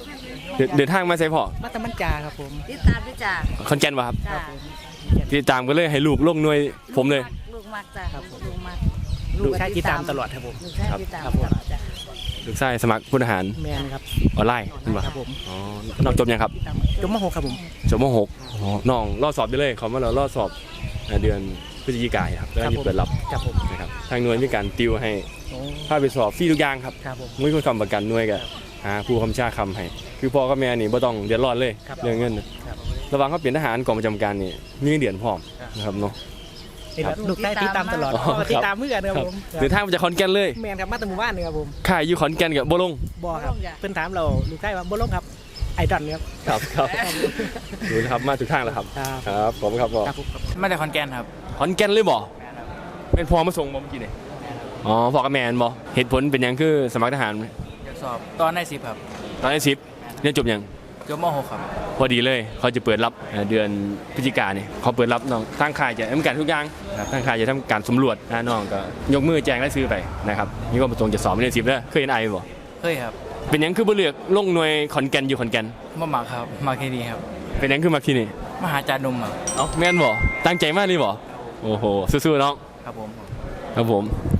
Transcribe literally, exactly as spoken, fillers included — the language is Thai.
เดินทางมาใส่พ่อมาตะมันจาครับผมติดตามด้วยจ้าคอนแกนวะครับจ้าติดตามก็เลยให้ลูกลงหน่วยผมเลยลูกมากจ้าลูกมากลูกชายติดตามตลอดครับผมลูกชายติดตามตลอดจ้าลูกชายสมัครผู้ทหารแมนครับออนไลน์ครับผมอ๋อน้องจบยังครับจบม .หก ครับผมจบม .หก อ๋อน้องรอดสอบได้เลยเขามาเรารอดสอบเดือนพฤศจิกายนครับแล้วมีเปิดรับนะครับทางหน่วยมีการติวให้พาไปสอบฟรีทุกอย่างครับมุ้ยคนคำประกันหน่วยกับหาผู้คำชาคำให้คือพ่อกับแม่นี่บ่ต้องเดือดร้อนเลยเรื่องเงินระหว่างเขาเปลี่ยนทหารกองประจำการนี่มีเงินเดือนพร้อมนะครับเนาะลูกชายติดตามตลอดติดตามเมื่อกันครับผมเดินทางมาจากขอนแก่นเลยแมนครับมาจากหมู่บ้านเลยครับผมค่ายอยู่ขอนแก่นกับบ่ลงบ่ครับเพิ่นถามเราลูกชายว่าบ่ลงครับไอดอลครับครับครับดูนะครับมาถึงทางแล้วครับครับผมครับพ่อมาจากขอนแก่นครับขอนแก่นเลยบ่เป็นพ่อมาส่งบ่เมื่อกี้นี่อ๋อพ่อกับแม่บ่เหตุผลเป็นยังคือสมัครทหารอยากสอบตอนได้สิบครับตอนได้สิบเรียนจบยังจบม .หก ครับพอดีเลยเขาจะเปิดรับเดือนพฤศจิกายนนี่เขาเปิดรับน้องทางค่ายจะทำการทุกอย่างทางค่ายจะทำการสำรวจน้องก็ยกมือแจ้งและซื้อไปนะครับนี่ก็ประสงค์จะสอบเรียนสิบแล้วเคยเห็นไอบ่เคยครับเป็นยังคือบ่เลือกลงหน่วยขอนแก่นอยู่ขอนแก่นมาหมักครับมาแค่นี้ครับเป็นยังคือมาที่นี่มาหาจานนมครับเอ้าแม่นบ่ตั้งใจมากเลยบ่โอ้โหสู้ๆน้องครับผมครับผม